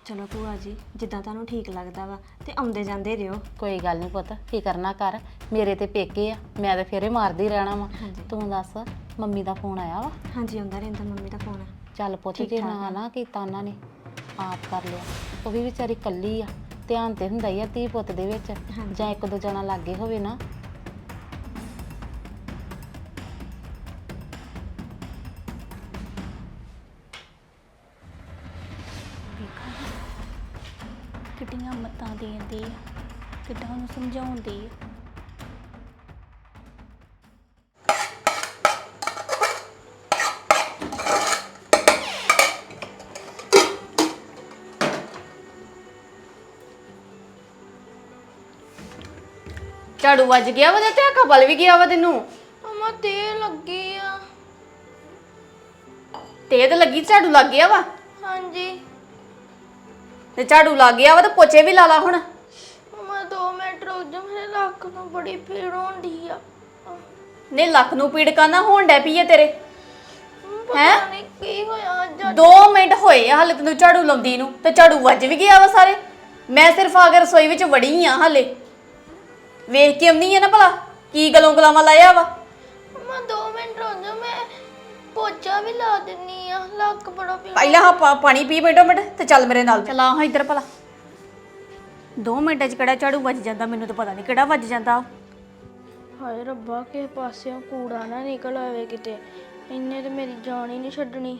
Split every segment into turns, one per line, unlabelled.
ਚਲੋ ਭੂਆ ਜੀ ਜਿੱਦਾਂ ਤੁਹਾਨੂੰ ਠੀਕ ਲੱਗਦਾ ਵਾ ਤੇ ਆਉਂਦੇ ਜਾਂਦੇ ਰਿਓ।
ਕੋਈ ਗੱਲ ਨਹੀਂ ਪੁੱਤ, ਫਿਕਰ ਨਾ ਕਰ, ਮੇਰੇ ਤੇ ਪੇਕੇ ਆ, ਮੈਂ ਤਾਂ ਫੇਰੇ ਮਾਰਦੀ ਰਹਿਣਾ ਵਾ। ਤੂੰ ਦੱਸ ਮੰਮੀ ਦਾ ਫੋਨ ਆਇਆ ਵਾ?
ਹਾਂਜੀ ਆਉਂਦਾ ਰਹਿੰਦਾ ਮੰਮੀ ਦਾ ਫੋਨ।
ਚੱਲ ਪੁੱਤ, ਜੇ ਨਾ ਕੀਤਾ ਉਹਨਾਂ ਨੇ ਆਪ ਕਰ ਲਿਆ। ਉਹ ਵੀ ਵਿਚਾਰੀ ਕੱਲੀ ਆ, ਧਿਆਨ ਤੇ ਹੁੰਦਾ ਹੀ ਆ ਧੀ ਪੁੱਤ ਦੇ ਵਿੱਚ, ਜਾਂ ਇੱਕ ਦੋ ਜਣਾ ਲਾਗੇ ਹੋਵੇ ਨਾ।
ਕਿੱਡੀਆਂ ਮੱਤਾਂ ਦੇਂਦੀ ਆ, ਕਿੱਦਾਂ ਉਹਨੂੰ ਸਮਝਾਉਂਦੀ ਆ।
ਝਾੜੂ ਵੱਜ ਗਿਆ ਵਾ ਤੇ ਆਕਾ ਬਲ ਵੀ ਗਿਆ ਵਾ ਤੈਨੂੰ।
ਅਮਾ ਤੇ ਲੱਗੀ ਆ।
ਤੇ ਲੱਗੀ, ਝਾੜੂ ਲੱਗ ਗਿਆ ਵਾ।
ਹਾਂਜੀ
ਤੇ ਝਾੜੂ ਲੱਗ ਗਿਆ ਵਾ ਤੇ ਪੋਚੇ ਵੀ ਲਾ ਲਾ ਹੁਣ।
ਅਮਾ 2 ਮਿੰਟ ਰੁਕ ਜਾ, ਮੇਰੇ ਲੱਕ ਨੂੰ ਬੜੀ ਪੀੜ ਹੁੰਦੀ ਆ।
ਨੇ ਲੱਕ ਨੂੰ ਪੀੜ ਕਾਨਾ ਹੋਣ ਡੈ ਪਈ ਆ ਤੇਰੇ?
ਪਤਾ ਨਹੀਂ ਕੀ ਹੋਇਆ ਅੱਜ।
2 ਮਿੰਟ ਹੋਏ ਆ ਹਲੇ ਤੈਨੂੰ ਝਾੜੂ ਲਾਉਂਦੀ ਨੂੰ ਤੇ ਝਾੜੂ ਵੱਜ ਵੀ ਗਿਆ ਵਾ ਸਾਰੇ। ਮੈਂ ਸਿਰਫ ਆ ਕੇ ਰਸੋਈ ਵਿੱਚ ਵੜੀ ਆ, ਹਲੇ ਵੇਖ ਕੇ ਆਉਂਦੀ ਆ ਨਾ ਭਲਾ ਕੀ ਗਲੋਂ ਗਲਾਵਾਂ ਲਾਇਆ ਵਾ।
ਅਮਾ 2 ਮਿੰਟ ਰੁਕ ਜਾ, ਮੈਂ ਪੋਚਾ ਵੀ ਲਾ ਦਿੰਨੀ ਆ, ਲੱਕ ਬੜਾ ਪੀੜ।
ਪਹਿਲਾਂ ਹਾਂ ਪਾਣੀ ਪੀ ਮਿੰਟੋ ਮਿੰਟ ਤੇ ਚੱਲ ਮੇਰੇ ਨਾਲ। ਚੱਲ ਆ ਹਾਂ ਇੱਧਰ ਭਲਾ। 2 ਮਿੰਟਾਂ 'ਚ ਕਿਹੜਾ ਝਾੜੂ ਵੱਜ ਜਾਂਦਾ, ਮੈਨੂੰ ਤਾਂ ਪਤਾ ਨਹੀਂ ਕਿਹੜਾ ਵੱਜ ਜਾਂਦਾ।
ਹਾਏ ਰੱਬਾ, ਕਿਸੇ ਪਾਸਿਓਂ ਕੂੜਾ ਨਾ ਨਿਕਲ ਆਵੇ ਕਿਤੇ, ਇੰਨੇ ਤੇ ਮੇਰੀ ਜਾਨ ਹੀ ਨਹੀਂ ਛੱਡਣੀ।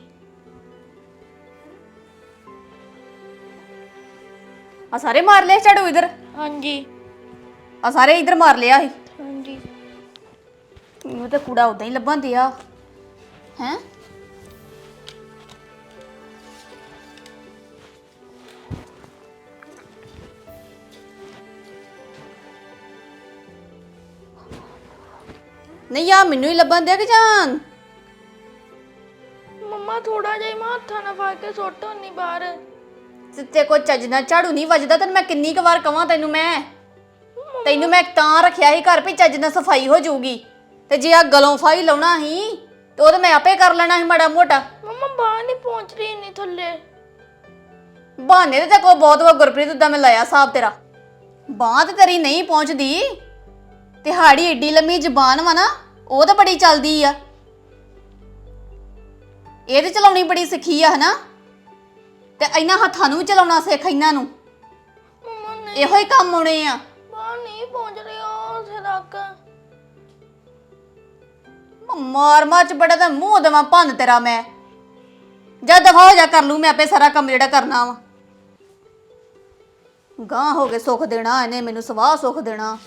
ਆ ਸਾਰੇ ਮਾਰ ਲਿਆ ਝਾੜੂ ਇੱਧਰ?
ਹਾਂਜੀ
ਆ ਸਾਰੇ ਇੱਧਰ ਮਾਰ ਲਿਆ ਸੀ।
ਹਾਂਜੀ
ਉਹ ਤਾਂ ਕੂੜਾ ਉਦਾਂ ਹੀ ਲੱਭਣ ਦਿਆ ਹੈ। ਨਹੀਂ ਆ ਮੈਨੂੰ ਹੀ ਲੱਭਣ ਦਿਆ ਕਿ ਜਾਨ?
ਮੰਮਾ ਥੋੜਾ ਜਿਹਾ ਮੈਂ ਹੱਥਾਂ ਨਾਲ ਫੜ ਕੇ ਸੁੱਟ ਹੁੰਨੀ ਬਾਹਰ।
ਤੇ ਕੋਈ ਚੱਜ ਨਾਲ ਝਾੜੂ ਨਹੀਂ ਵੱਜਦਾ ਤੈਨੂੰ ਮੈਂ ਕਿੰਨੀ ਕੁ ਵਾਰ ਕਵਾਂ ਤੈਨੂੰ ਮੈਂ ਤਾਂ ਰੱਖਿਆ ਸੀ ਘਰ ਵੀ ਚੱਜ ਨਾਲ ਸਫਾਈ ਹੋ ਜਾਊਗੀ। ਤੇ ਜੇ ਆ ਗਲੋਂ ਫਾਈ ਲਾਉਣਾ ਸੀ ਤੇ ਉਹ ਤਾਂ ਮੈਂ ਆਪੇ ਕਰ ਲੈਣਾ ਸੀ ਮਾੜਾ ਮੋਟਾ।
ਮੰਮਾ ਬਾਹਰ ਨਹੀਂ ਪਹੁੰਚ ਰਹੀ ਇੰਨੀ ਥੱਲੇ।
ਬਹਾਨੇ ਤੇ ਕੋ ਬਹੁਤ ਵਾ ਗੁਰਪ੍ਰੀਤ, ਉਦਾਂ ਮੈਂ ਲਾਇਆ ਹਿਸਾਬ ਤੇਰਾ। ਬਾਂਹ ਤੇ ਤੇਰੀ ਨਹੀਂ ਪਹੁੰਚਦੀ, ਤਿਹਾੜੀ ਏਡੀ ਲੰਮੀ ਜ਼ਬਾਨ ਵਾ ਨਾ, ਉਹ ਤਾਂ ਬੜੀ ਚੱਲਦੀ ਆ। ਇਹ ਤੇ ਚਲਾਉਣੀ ਬੜੀ ਸਿੱਖੀ ਆ ਹਨਾ, ਤੇ ਇਹਨਾਂ ਹੱਥਾਂ ਨੂੰ ਵੀ ਚਲਾਉਣਾ ਸਿੱਖ ਇਹਨਾਂ ਨੂੰ,
ਮੰਮਾ ਨਹੀਂ,
ਇਹੋ ਹੀ ਕੰਮ ਆਉਣੇ ਆ।
ਬਾਹਰ ਨਹੀਂ ਪਹੁੰਚ ਰਹੀ ਉਹ ਉਸੇ ਤੱਕ।
ਮਾਰ ਚ ਬੜਾ ਤਾਂ ਮੂੰਹ ਦੇਵਾਂ ਭੰਨ ਤੇਰਾ ਮੈਂ। ਜਦ ਦਫਾ ਹੋ ਜਾ, ਕਰ ਲੂ ਮੈਂ ਆਪੇ ਸਾਰਾ ਕੰਮ ਜਿਹੜਾ ਕਰਨਾ ਵਾ। ਗਾਂ ਹੋ ਕੇ ਸੁੱਖ ਦੇਣਾ ਇਹਨੇ ਮੈਨੂੰ, ਸਵਾਹ ਸੁੱਖ ਦੇਣਾ।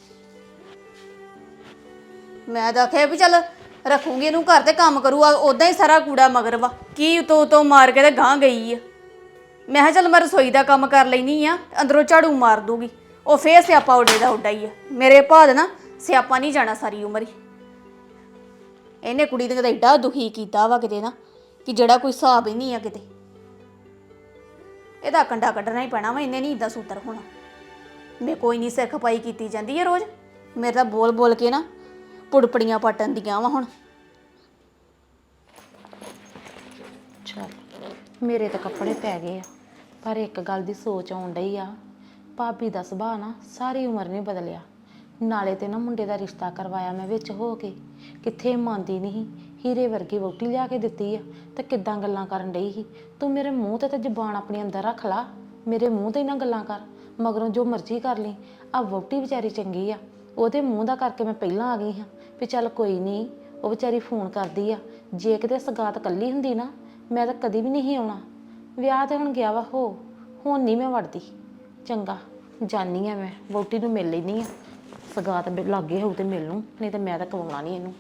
ਮੈਂ ਤਾਂ ਆਖਿਆ ਵੀ ਚੱਲ ਰੱਖੂਗੀ ਇਹਨੂੰ ਘਰ ਤੇ ਕੰਮ ਕਰੂਗਾ, ਉਦਾਂ ਹੀ ਸਾਰਾ ਕੂੜਾ ਮਗਰ ਵਾ। ਕੀ ਉਤੋਂ ਮਾਰ ਕੇ ਤੇ ਗਾਂ ਗਈ ਆ। ਮੈਂ ਕਿਹਾ ਚੱਲ ਮੈਂ ਰਸੋਈ ਦਾ ਕੰਮ ਕਰ ਲੈਣੀ ਆ, ਅੰਦਰੋਂ ਝਾੜੂ ਮਾਰ ਦੂਗੀ। ਉਹ ਫੇਰ ਸਿਆਪਾ ਉੱਡੇ ਦਾ ਉੱਡਾ ਹੀ ਆ। ਮੇਰੇ ਭਾਅ ਦੇ ਨਾ ਸਿਆਪਾ ਨਹੀਂ ਜਾਣਾ ਸਾਰੀ ਉਮਰ ਹੀ। ਇਹਨੇ ਕੁੜੀ ਨੇ ਤਾਂ ਏਡਾ ਦੁਖੀ ਕੀਤਾ ਵਾ ਕਿਤੇ ਨਾ, ਕਿ ਜਿਹੜਾ ਕੋਈ ਹਿਸਾਬ ਹੀ ਨਹੀਂ ਆ ਕਿਤੇ। ਇਹਦਾ ਕੰਡਾ ਕੱਢਣਾ ਹੀ ਪੈਣਾ ਵਾ, ਇਹਨੇ ਨਹੀਂ ਇਦਾਂ ਸੂਤਰ ਹੋਣਾ। ਮੈਂ ਕੋਈ ਨਹੀਂ ਸਿਰ ਖਪਾਈ ਕੀਤੀ ਜਾਂਦੀ ਹੈ ਰੋਜ਼। ਮੇਰੇ ਤਾਂ ਬੋਲ ਬੋਲ ਕੇ ਨਾ ਪੁੜਪੜੀਆਂ ਪਟਣ ਦੀਆਂ ਵਾ ਹੁਣ।
ਚੱਲ ਮੇਰੇ ਤਾਂ ਕੱਪੜੇ ਪੈ ਗਏ ਆ, ਪਰ ਇੱਕ ਗੱਲ ਦੀ ਸੋਚ ਆਉਣ ਡਈ ਆ, ਭਾਬੀ ਦਾ ਸੁਭਾਅ ਨਾ ਸਾਰੀ ਉਮਰ ਨਹੀਂ ਬਦਲਿਆ। ਨਾਲੇ ਤੇ ਨਾ ਮੁੰਡੇ ਦਾ ਰਿਸ਼ਤਾ ਕਰਵਾਇਆ ਮੈਂ ਵਿੱਚ ਹੋ ਕੇ, ਕਿੱਥੇ ਮੰਨਦੀ ਨਹੀਂ। ਹੀਰੇ ਵਰਗੀ ਵਹੁਟੀ ਲਿਆ ਕੇ ਦਿੱਤੀ ਆ ਤੇ ਕਿੱਦਾਂ ਗੱਲਾਂ ਕਰਨ ਡਈ ਸੀ। ਤੂੰ ਮੇਰੇ ਮੂੰਹ ਤੇ ਜ਼ੁਬਾਨ ਆਪਣੀ ਅੰਦਰ ਰੱਖ ਲਾ, ਮੇਰੇ ਮੂੰਹ ਤੇ ਨਾ ਗੱਲਾਂ ਕਰ। ਮਗਰੋਂ ਜੋ ਮਰਜ਼ੀ ਕਰ ਲਈ। ਆ ਵਹੁਟੀ ਵਿਚਾਰੀ ਚੰਗੀ ਆ, ਉਹਦੇ ਮੂੰਹ ਦਾ ਕਰਕੇ ਮੈਂ ਪਹਿਲਾਂ ਆ ਗਈ ਹਾਂ ਵੀ ਚੱਲ ਕੋਈ ਨਹੀਂ, ਉਹ ਵਿਚਾਰੀ ਫੋਨ ਕਰਦੀ ਆ। ਜੇ ਕਿਤੇ ਸਗਾਤ ਕੱਲੀ ਹੁੰਦੀ ਨਾ, ਮੈਂ ਤਾਂ ਕਦੀ ਵੀ ਨਹੀਂ ਆਉਣਾ। ਵਿਆਹ ਤੇ ਹੁਣ ਗਿਆ ਵਾ, ਹੁਣ ਨਹੀਂ ਮੈਂ ਵੜਦੀ। ਚੰਗਾ ਜਾਨੀ ਆ, ਮੈਂ ਵਹੁਟੀ ਨੂੰ ਮਿਲ ਲੈਂਦੀ ਆ। ਸਗਾਤ ਲਾਗੇ ਹੋਊ ਤੇ ਮਿਲ ਲੂੰ, ਨਹੀਂ ਤਾਂ ਮੈਂ ਤਾਂ ਕਵਾਉਣਾ ਨਹੀਂ ਇਹਨੂੰ।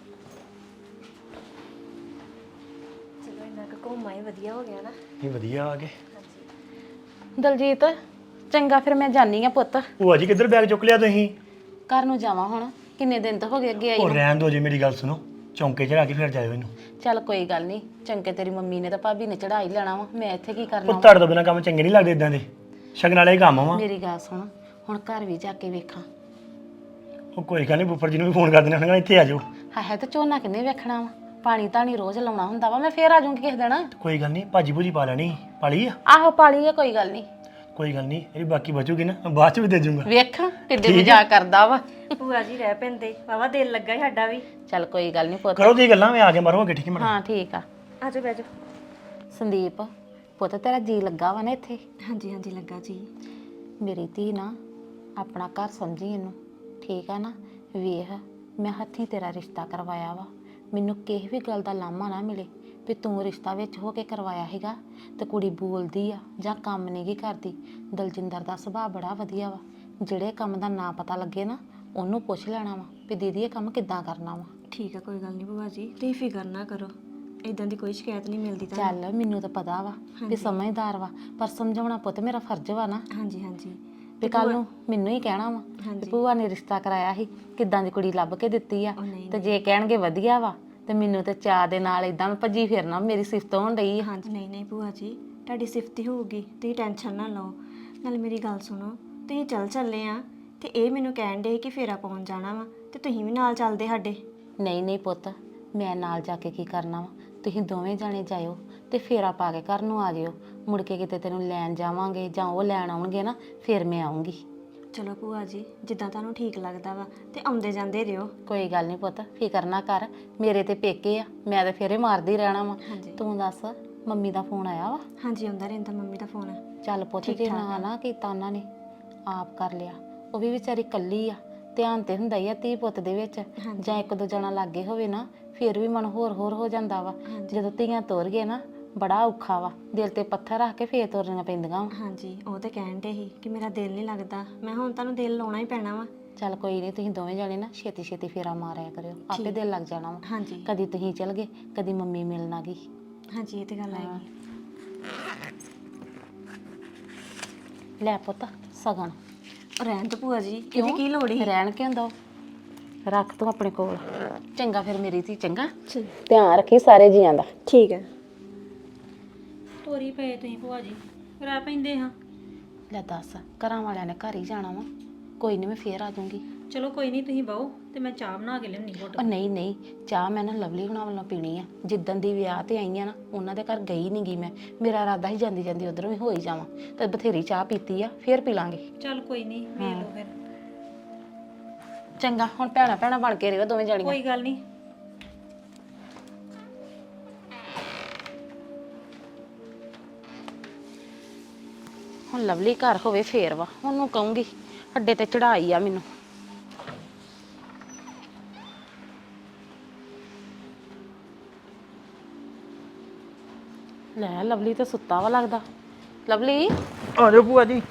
ਚਲੋ ਇੰਨਾ ਕੁ ਘੁੰਮ ਆਏ, ਵਧੀਆ ਹੋ ਗਿਆ ਨਾ।
ਇਹ ਵਧੀਆ ਆ ਗਏ।
ਦਲਜੀਤ ਚੰਗਾ, ਫਿਰ ਮੈਂ ਜਾਨੀ ਆ ਪੁੱਤ।
ਭੂਆ ਜੀ ਕਿੱਧਰ ਬੈਗ ਚੁੱਕ ਲਿਆ ਤੁਸੀਂ?
ਘਰ ਨੂੰ ਜਾਵਾਂ ਹੁਣ, ਕਿੰਨੇ ਦਿਨ ਤੋਂ ਹੋ ਗਏ ਅੱਗੇ ਆਈ
ਉਹ
ਨੂੰ।
ਰਹਿਣ ਦੋ ਜੀ, ਮੇਰੀ ਗੱਲ ਸੁਣੋ, ਚੌਂਕੇ ਚੜਾ ਕੇ ਫਿਰ ਜਾਇਓ ਇਹਨੂੰ।
ਚੱਲ ਕੋਈ ਗੱਲ ਨਹੀਂ, ਚੰਗੇ ਤੇਰੀ ਮੰਮੀ ਨੇ ਤਾਂ ਭਾਬੀ ਨੇ ਚੜਾਈ ਲੈਣਾ ਵਾ, ਮੈਂ ਇੱਥੇ ਕੀ ਕਰਨਾ
ਉਹ
ਵਾ।
ਤੁਹਾਡੇ ਤੋਂ ਬਿਨਾਂ ਕੰਮ ਚੰਗੇ ਨਹੀਂ ਲੱਗਦੇ ਇਦਾਂ ਦੇ, ਸ਼ਗਨ ਵਾਲੇ ਕੰਮ ਵਾ।
ਮੇਰੀ ਗੱਲ ਸੁਣ, ਹੁਣ ਘਰ ਵੀ ਜਾ ਕੇ ਵੇਖਾਂ।
ਉਹ ਕੋਈ ਗੱਲ ਨਹੀਂ, ਬੁੱਫਰ ਜੀ ਨੂੰ ਵੀ ਫੋਨ ਕਰ ਦੇਣਾ, ਉਹਨਾਂ ਇੱਥੇ ਆ ਜਾਓ।
ਹੈ ਤਾਂ ਝੋਨਾ ਕਿੰਨੇ ਵੇਖਣਾ ਵਾ, ਪਾਣੀ ਧਾਣੀ ਰੋਜ਼ ਲਾਉਣਾ ਹੁੰਦਾ ਵਾ। ਮੈਂ ਫੇਰ ਆ ਜਾਊਂਗੀ ਕਿਸੇ ਦਿਨ।
ਕੋਈ ਗੱਲ ਨਹੀਂ, ਭਾਜੀ ਭੂਜੀ ਪਾ ਲੈਣੀ, ਪਾਲੀ ਆ।
ਆਹੋ ਪਾਲੀ ਆ, ਕੋਈ ਗੱਲ ਨਹੀਂ।
ਕੋਈ ਗੱਲ ਨਹੀਂ, ਇਹ ਬਾਕੀ ਬਚੂਗੀ ਨਾ ਬਾਅਦ ਚ ਵੀ ਦੇ ਜੂੰਗਾ।
ਵੇਖ ਕਿੱਡੇ ਮਜ਼ਾਕ ਕਰਦਾ ਵਾ।
ਭੂਆ ਜੀ ਰਹਿ ਪੈਂਦੇ ਵਾਵਾ ਦਿਲ ਲੱਗਾ ਸਾਡਾ ਵੀ।
ਚੱਲ ਕੋਈ ਗੱਲ ਨਹੀਂ ਪੁੱਤ।
ਕਰੋ ਤੁਸੀਂ ਗੱਲਾਂ, ਮੈਂ ਆ ਕੇ ਮਰਵਾਂਗੇ, ਠੀਕ ਹੈ ਮੈਡਮ?
ਹਾਂ ਠੀਕ ਆ।
ਆਜੋ ਬੈਜੋ।
ਸੰਦੀਪ ਪੁੱਤ ਤੇਰਾ ਜੀ ਲੱਗਾ ਵਾ ਨਾ ਇੱਥੇ?
ਹਾਂਜੀ ਹਾਂਜੀ ਲੱਗਾ ਜੀ।
ਮੇਰੀ ਧੀ ਨਾ ਆਪਣਾ ਘਰ ਸਮਝੀ ਇਹਨੂੰ, ਠੀਕ ਆ ਨਾ? ਵੇਖ ਮੈਂ ਹੱਥੀਂ ਤੇਰਾ ਰਿਸ਼ਤਾ ਕਰਵਾਇਆ ਵਾ, ਮੈਨੂੰ ਕਿਸੇ ਵੀ ਗੱਲ ਦਾ ਲਾਮਾ ਨਾ ਮਿਲੇ ਵੀ ਤੂੰ ਰਿਸ਼ਤਾ ਵਿੱਚ ਹੋ ਕੇ ਕਰਵਾਇਆ ਹੈਗਾ ਤੇ ਕੁੜੀ ਬੋਲਦੀ ਆ ਜਾਂ ਕੰਮ ਨਹੀਂ ਗੀ ਕਰਦੀ। ਦਲਜਿੰਦਰ ਦਾ ਸੁਭਾਅ ਬੜਾ ਵਧੀਆ ਵਾ, ਜਿਹੜੇ ਕੰਮ ਦਾ ਨਾ ਪਤਾ ਲੱਗੇ ਨਾ ਉਹਨੂੰ ਪੁੱਛ ਲੈਣਾ ਵਾ ਵੀ ਦੀਦੀ ਇਹ ਕੰਮ ਕਿੱਦਾਂ ਕਰਨਾ ਵਾ।
ਠੀਕ ਆ, ਕੋਈ ਗੱਲ ਨਹੀਂ ਭੂਆ ਜੀ, ਤੁਸੀਂ ਫਿਕਰ ਨਾ ਕਰੋ, ਇਦਾਂ ਦੀ ਕੋਈ ਸ਼ਿਕਾਇਤ ਨਹੀਂ ਮਿਲਦੀ ਤੁਹਾਨੂੰ।
ਚੱਲ ਮੈਨੂੰ ਤਾਂ ਪਤਾ ਵਾ ਵੀ ਸਮਝਦਾਰ ਵਾ, ਪਰ ਸਮਝਾਉਣਾ ਪੁੱਤ ਮੇਰਾ ਫਰਜ਼ ਵਾ ਨਾ।
ਹਾਂਜੀ ਹਾਂਜੀ
ਵੀ ਕੱਲ ਨੂੰ ਮੈਨੂੰ ਹੀ ਕਹਿਣਾ ਵਾ ਵੀ ਭੂਆ ਨੇ ਰਿਸ਼ਤਾ ਕਰਾਇਆ ਸੀ, ਕਿੱਦਾਂ ਦੀ ਕੁੜੀ ਲੱਭ ਕੇ ਦਿੱਤੀ ਆ। ਤੇ ਜੇ ਕਹਿਣਗੇ ਵਧੀਆ ਵਾ ਤੇ ਮੈਨੂੰ ਤੇ ਚਾਹ ਦੇ ਨਾਲ ਇਦਾਂ ਭੱਜੀ ਫਿਰਨਾ, ਮੇਰੀ ਸਿਫਤ ਹੋਣ ਡਈ ਆ।
ਹਾਂਜੀ ਨਹੀਂ ਨਹੀਂ ਭੂਆ ਜੀ, ਤੁਹਾਡੀ ਸਿਫਤ ਹੀ ਹੋਊਗੀ, ਤੁਸੀਂ ਟੈਨਸ਼ਨ ਨਾ ਲਓ। ਨਾਲ ਮੇਰੀ ਗੱਲ ਸੁਣੋ, ਤੁਸੀਂ ਚੱਲੇ ਆ ਤੇ ਇਹ ਮੈਨੂੰ ਕਹਿਣ ਦੇ ਕਿ ਫੇਰਾ ਪਾਉਣ ਜਾਣਾ ਵਾ ਤੇ ਤੁਸੀਂ ਵੀ ਨਾਲ ਚੱਲਦੇ ਸਾਡੇ।
ਨਹੀਂ ਨਹੀਂ ਪੁੱਤ, ਮੈਂ ਨਾਲ ਜਾ ਕੇ ਕੀ ਕਰਨਾ ਵਾ? ਤੁਸੀਂ ਦੋਵੇਂ ਜਾਣੇ ਜਾਇਓ ਤੇ ਫੇਰਾ ਪਾ ਕੇ ਘਰ ਨੂੰ ਆ ਜਿਓ। ਮੁੜ ਕੇ ਕਿਤੇ ਤੈਨੂੰ ਲੈਣ ਜਾਵਾਂਗੇ ਜਾਂ ਉਹ ਲੈਣ ਆਉਣਗੇ ਨਾ, ਫਿਰ ਮੈਂ ਆਉਂਗੀ।
ਚਲੋ ਭੂਆ ਜੀ, ਜਿੱਦਾਂ ਤੁਹਾਨੂੰ ਠੀਕ ਲੱਗਦਾ ਵਾ ਤੇ ਆਉਂਦੇ ਜਾਂਦੇ ਰਿਓ।
ਕੋਈ ਗੱਲ ਨਹੀਂ ਪੁੱਤ, ਫਿਕਰ ਨਾ ਕਰ, ਮੇਰੇ ਤੇ ਪੇਕੇ ਆ, ਮੈਂ ਤੇ ਫੇਰੇ ਮਾਰਦੀ ਰਹਿਣਾ ਵਾ। ਤੂੰ ਦੱਸ ਮੰਮੀ ਦਾ ਫੋਨ ਆਇਆ ਵਾ?
ਹਾਂਜੀ ਆਉਂਦਾ ਰਹਿੰਦਾ ਮੰਮੀ ਦਾ ਫੋਨ।
ਚੱਲ ਪੁੱਤ ਜੇ ਨਾ ਕੀਤਾ ਉਹਨਾਂ ਨੇ, ਆਪ ਕਰ ਲਿਆ। ਉਹ ਵੀ ਵਿਚਾਰੀ ਕੱਲੀ ਆ, ਧਿਆਨ ਤੇ ਹੁੰਦਾ ਹੀ ਆ ਧੀ ਪੁੱਤ ਦੇ ਵਿੱਚ। ਜਾਂ ਇੱਕ ਦੋ ਜਣਾ ਲਾਗੇ ਹੋਵੇ ਨਾ, ਫਿਰ ਵੀ ਮਨ ਹੋਰ ਹੋ ਜਾਂਦਾ ਵਾ। ਜਦੋਂ ਧੀਆਂ ਤੋਰ ਗਏ ਨਾ, ਬੜਾ ਔਖਾ ਵਾ, ਦਿਲ ਤੇ ਪੱਥਰ ਰੱਖ ਕੇ ਫੇਰ ਤੋਰਨੀਆਂ ਪੈਂਦੀਆਂ ਵਾ।
ਹਾਂਜੀ ਉਹ ਤਾਂ ਕਹਿਣ ਦੇ ਸੀ ਕਿ ਮੇਰਾ ਦਿਲ ਨਹੀਂ ਲੱਗਦਾ। ਮੈਂ ਹੁਣ ਤੁਹਾਨੂੰ ਦਿਲ ਲਾਉਣਾ ਹੀ ਪੈਣਾ ਵਾ।
ਚੱਲ ਕੋਈ ਨਹੀਂ, ਤੁਸੀਂ ਦੋਵੇਂ ਜਾਣੇ ਨਾ ਛੇਤੀ ਛੇਤੀ ਫੇਰਾ ਮਾਰਿਆ ਕਰਿਓ, ਆਪੇ ਦਿਲ ਲੱਗ ਜਾਣਾ ਵਾ।
ਹਾਂਜੀ
ਕਦੀ ਤੁਸੀਂ ਚਲ ਗਏ, ਕਦੀ ਮੰਮੀ ਮਿਲਣ ਆ ਗਈ।
ਹਾਂਜੀ ਇਹ ਤੇ ਗੱਲ ਹੈਗੀ।
ਲੈ ਪੁੱਤ ਸਗਨ।
ਰਹਿਣ ਤੋਂ ਭੂਆ ਜੀ, ਇਹਦੀ ਕੀ ਲੋੜ ਹੀ?
ਰਹਿਣ ਕਿਉਂ ਦੋ, ਰੱਖ ਤੂੰ ਆਪਣੇ ਕੋਲ। ਚੰਗਾ ਫਿਰ ਮੇਰੀ ਧੀ, ਚੰਗਾ ਧਿਆਨ ਰੱਖੀ ਸਾਰੇ ਜੀਆਂ ਦਾ।
ਠੀਕ ਹੈ।
ਤੋਰੀ ਪਏ ਤੁਸੀਂ ਭੂਆ ਜੀ, ਰਹਿ ਪੈਂਦੇ ਹਾਂ।
ਲੈ ਦੱਸ, ਘਰਾਂ ਵਾਲਿਆਂ ਨੇ ਘਰ ਹੀ ਜਾਣਾ ਵਾ, ਕੋਈ ਨਹੀਂ ਮੈਂ ਫੇਰ ਆ ਜਾਊਂਗੀ।
ਚਲੋ ਕੋਈ ਨਹੀਂ, ਤੁਸੀਂ ਬਹੋ ਤੇ ਮੈਂ ਚਾਹ ਬਣਾ ਕੇ ਲਿਆਉਣੀ ਘੁੱਟ।
ਉਹ ਨਹੀਂ ਨਹੀਂ, ਚਾਹ ਮੈਂ ਨਾ ਲਵਲੀ ਹੁਣਾਂ ਵੱਲੋਂ ਪੀਣੀ ਆ। ਜਿੱਦਣ ਦੀ ਵਿਆਹ ਤੇ ਆਈ ਆ ਨਾ, ਉਹਨਾਂ ਦੇ ਘਰ ਗਈ ਨਹੀਂ ਗਈ ਮੈਂ। ਮੇਰਾ ਇਰਾਦਾ ਹੀ ਜਾਂਦੀ ਜਾਂਦੀ ਉਧਰੋਂ ਵੀ ਹੋ ਹੀ ਜਾਵਾਂ, ਤੇ ਬਥੇਰੀ ਚਾਹ ਪੀਤੀ ਆ, ਫੇਰ ਪੀ ਲਾਂਗੇ।
ਚੱਲ ਕੋਈ ਨਹੀਂ, ਵੇਖ ਲਓ ਫਿਰ।
ਚੰਗਾ, ਹੁਣ ਭੈਣਾ ਭੈਣਾ ਬਣ ਕੇ ਰਹੋ ਦੋਵੇਂ ਜਾਣੀਆਂ।
ਕੋਈ ਗੱਲ ਨਹੀਂ।
ਹੁਣ ਲਵਲੀ ਘਰ ਹੋਵੇ ਫੇਰ ਵਾ, ਉਹਨੂੰ ਕਹੂੰਗੀ ਅੱਡੇ ਤੇ ਚੜਾਈ ਆ ਮੈਨੂੰ। ਲੈ ਲਵਲੀ ਤੇ ਸੁੱਤਾ ਵਾ ਲੱਗਦਾ। ਲਵਲੀ
ਆ ਜਾਓ ਭੂਆ ਜੀ,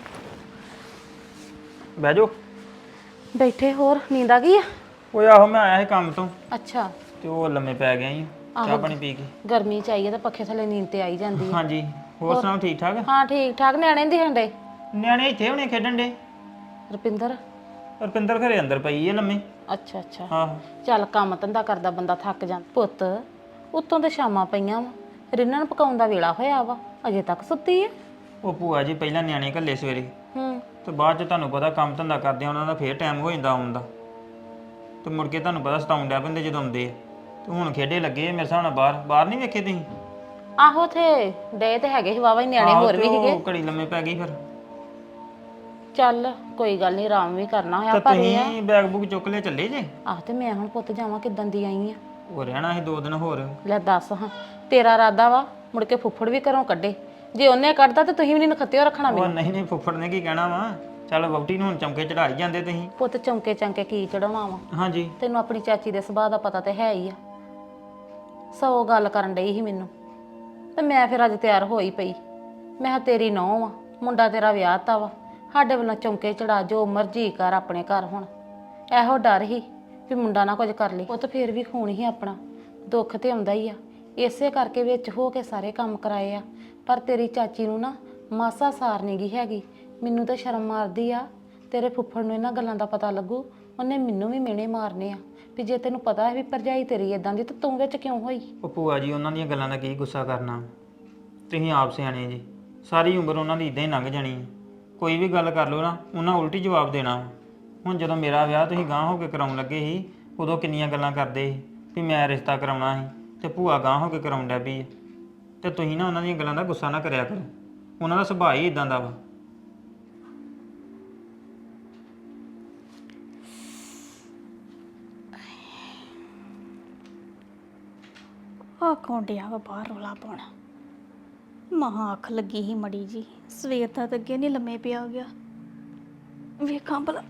ਬਹਿ ਜਾਓ।
ਬੈਠੇ, ਹੋਰ ਨੀਂਦ ਆ ਗਈ ਆ?
ਓਏ ਆਹੋ, ਮੈਂ ਆਇਆ ਸੀ ਕੰਮ ਤੋਂ
ਅੱਛਾ,
ਤੇ ਉਹ ਲੰਮੇ ਪੈ ਗਿਆ ਸੀ ਚਾਹ ਪਾਣੀ ਪੀ ਕੇ।
ਗਰਮੀ ਚ ਆਈ ਆ ਤਾਂ ਪੱਖੇ ਥੱਲੇ ਨੀਂਦ ਤੇ ਆਈ ਜਾਂਦੀ ਆ।
ਹਾਂਜੀ, ਹੋਰ ਸੁਣਾਓ, ਠੀਕ ਠਾਕ?
ਹਾਂ ਠੀਕ ਠਾਕ। ਨਿਆਣੇ ਦੀ ਹੰਡੇ
ਨਿਆਣੇ ਇੱਥੇ ਹੁਣੇ ਖੇਡਣ ਦੇ।
ਰੁਪਿੰਦਰ?
ਰੁਪਿੰਦਰ ਘਰੇ ਅੰਦਰ ਪਈ ਹੈ ਲੰਮੇ।
ਅੱਛਾ ਅੱਛਾ,
ਆਹੋ।
ਚੱਲ ਕੰਮ ਧੰਦਾ ਕਰਦਾ ਬੰਦਾ ਥੱਕ ਜਾਂਦਾ। ਪੁੱਤ ਉੱਤੋਂ ਤੇ ਸ਼ਾਮਾਂ ਪਈਆਂ ਵਾ, ਰਿੰਨਣ ਪਕਾਉਣ ਦਾ ਵੇਲਾ ਹੋਇਆ ਵਾ, ਅਜੇ ਤੱਕ ਸੁੱਤੀ ਆ?
ਉਹ ਭੂਆ ਜੀ ਪਹਿਲਾਂ ਨਿਆਣੇ ਘੱਲੇ ਸਵੇਰੇ,
ਹੂੰ,
ਤੇ ਬਾਅਦ ਚ ਤੁਹਾਨੂੰ ਪਤਾ ਕੰਮ ਧੰਦਾ ਕਰਦੇ ਆ, ਉਹਨਾਂ ਦਾ ਫੇਰ ਟਾਈਮ ਹੋ ਜਾਂਦਾ ਆਉਣ ਦਾ, ਤੇ ਮੁੜ ਕੇ ਤੁਹਾਨੂੰ ਪਤਾ ਸਤਾਉਣ ਡਿਆ ਪੈਂਦੇ ਜਦੋਂ ਆਉਂਦੇ ਆ। ਤੇ ਹੁਣ ਖੇਡੇ ਲੱਗੇ ਆ ਮੇਰੇ ਹਿਸਾਬ ਨਾਲ। ਬਾਹਰ ਨਹੀਂ ਵੇਖੇ ਤੁਸੀਂ?
ਆਹੋ ਥੇ ਡੇ ਤੇ ਹੈਗੇ ਸੀ ਵਾਵਾ ਹੀ ਨਿਆਣੇ, ਹੋਰ ਵੀ ਸੀਗੇ।
ਉਹ ਘੜੀ ਲੰਮੇ ਪੈ ਗਈ ਫਿਰ।
ਚੱਲ ਕੋਈ ਗੱਲ ਨਹੀਂ, ਆਰਾਮ ਵੀ ਕਰਨਾ ਹੋਇਆ।
ਤਾਂ
ਪਰ
ਤੁਸੀਂ ਬੈਗ ਬੁੱਕ ਚੁੱਕ ਲਿਆ ਚੱਲੇ ਜੇ?
ਆਹ ਤੇ ਮੈਂ ਹੁਣ ਪੁੱਤ ਜਾਵਾਂ ਕਿੱਦਾਂ ਦੀ ਆਈ ਆ?
ਉਹ ਰਹਿਣਾ ਸੀ 2 ਦਿਨ ਹੋਰ।
ਲੈ ਦੱਸ ਹਾਂ, ਤੇਰਾ ਇਰਾਦਾ ਵਾ ਮੁੜ ਕੇ ਫੁੱਫੜ ਵੀ ਘਰੋਂ ਕੱਢੇ? ਜੇ ਉਹਨੇ ਕੱਢਦਾ ਤੇ ਤੁਸੀਂ ਵੀ ਨਹੀਂ ਨਖੱਤਿਓ ਰੱਖਣਾ
ਉਹ
ਮੈਨੂੰ।
ਨਹੀਂ ਫੁੱਫੜ ਨੇ ਕੀ ਕਹਿਣਾ ਵਾ? ਚੱਲ ਵਹੁਟੀ ਨੂੰ ਹੁਣ ਚਮਕੇ ਚੜਾਈ ਜਾਂਦੇ ਤੁਸੀਂ।
ਪੁੱਤ ਚੌਂਕੇ ਚੰਕੇ ਕੀ ਚੜਾਉਣਾ ਵਾ?
ਹਾਂਜੀ,
ਤੈਨੂੰ ਆਪਣੀ ਚਾਚੀ ਦੇ ਸੁਭਾਅ ਦਾ ਪਤਾ ਤੇ ਹੈ ਹੀ ਆ। ਸੌ ਗੱਲ ਕਰਨ ਡਈ ਸੀ ਮੈਨੂੰ, ਤੇ ਮੈਂ ਫਿਰ ਅੱਜ ਤਿਆਰ ਹੋਈ ਪਈ। ਮੈਂ ਕਿਹਾ ਤੇਰੀ ਨੂੰਹ ਆ, ਮੁੰਡਾ ਤੇਰਾ ਵਿਆਹ ਤਾ ਵਾ, ਸਾਡੇ ਵੱਲੋਂ ਚੌਂਕੇ ਚੜਾ, ਜੋ ਮਰਜ਼ੀ ਕਰ ਆਪਣੇ ਘਰ। ਹੁਣ ਇਹੋ ਡਰ ਹੀ ਵੀ ਮੁੰਡਾ ਨਾ ਕੁਝ ਕਰ ਲੇ। ਉਹ ਤਾਂ ਫਿਰ ਵੀ ਖੂਨ ਹੀ ਆਪਣਾ, ਦੁੱਖ ਤੇ ਆਉਂਦਾ ਹੀ ਆ। ਇਸੇ ਕਰਕੇ ਵਿੱਚ ਹੋ ਕੇ ਸਾਰੇ ਕੰਮ ਕਰਾਏ ਆ। ਪਰ ਤੇਰੀ ਚਾਚੀ ਨੂੰ ਨਾ ਮਾਸਾ ਸਾਰ ਨਹੀਂ ਗਈ ਹੈਗੀ। ਮੈਨੂੰ ਤਾਂ ਸ਼ਰਮ ਮਾਰਦੀ ਆ। ਤੇਰੇ ਫੁੱਫੜ ਨੂੰ ਇਹਨਾਂ ਗੱਲਾਂ ਦਾ ਪਤਾ ਲੱਗੂ, ਉਹਨੇ ਮੈਨੂੰ ਵੀ ਮਿਹਣੇ ਮਾਰਨੇ ਆ ਵੀ ਜੇ ਤੈਨੂੰ ਪਤਾ ਹੈ ਵੀ ਭਰਜਾਈ ਤੇਰੀ ਇਦਾਂ ਦੀ, ਤਾਂ ਤੂੰ ਵਿੱਚ ਕਿਉਂ ਹੋਈ?
ਉਹ ਭੂਆ ਜੀ ਉਹਨਾਂ ਦੀਆਂ ਗੱਲਾਂ ਦਾ ਕੀ ਗੁੱਸਾ ਕਰਨਾ, ਤੁਸੀਂ ਆਪ ਸਿਆਣੇ ਜੀ। ਸਾਰੀ ਉਮਰ ਉਹਨਾਂ ਦੀ ਇਦਾਂ ਹੀ ਲੰਘ ਜਾਣੀ ਹੈ। ਕੋਈ ਵੀ ਗੱਲ ਕਰ ਲਓ ਨਾ, ਉਹਨਾਂ ਉਲਟੀ ਜਵਾਬ ਦੇਣਾ। ਹੁਣ ਜਦੋਂ ਮੇਰਾ ਵਿਆਹ ਤੁਸੀਂ ਗਾਂਹ ਹੋ ਕੇ ਕਰਾਉਣ ਲੱਗੇ ਸੀ, ਉਦੋਂ ਕਿੰਨੀਆਂ ਗੱਲਾਂ ਕਰਦੇ ਸੀ ਵੀ ਮੈਂ ਰਿਸ਼ਤਾ ਕਰਾਉਣਾ ਸੀ, ਤੇ ਭੂਆ ਗਾਂਹ ਹੋ ਕੇ ਕਰਾਉਣ ਡਿਆ ਵੀ ਤੇ ਤੁਸੀਂ ਨਾ ਉਹਨਾਂ ਦੀਆਂ ਗੱਲਾਂ ਦਾ ਗੁੱਸਾ ਨਾ ਕਰਿਆ ਕਰੋ। ਉਹਨਾਂ ਦਾ ਸੁਭਾਅ ਹੀ ਇਦਾਂ ਦਾ ਵਾ।
ਆ ਕੌਣ ਡਿਆ ਵਾ ਬਾਹਰ ਰੌਲਾ ਪਾਉਣਾ। ਮਹਾਂ ਅੱਖ ਲੱਗੀ ਸੀ ਮੜੀ ਜੀ, ਸਵੇਰ ਦਾ ਤਾਂ ਅੱਗੇ ਨਹੀਂ ਲੰਮੇ ਪਿਆ ਗਿਆ। ਵੇਖਾਂ ਭਲਾ।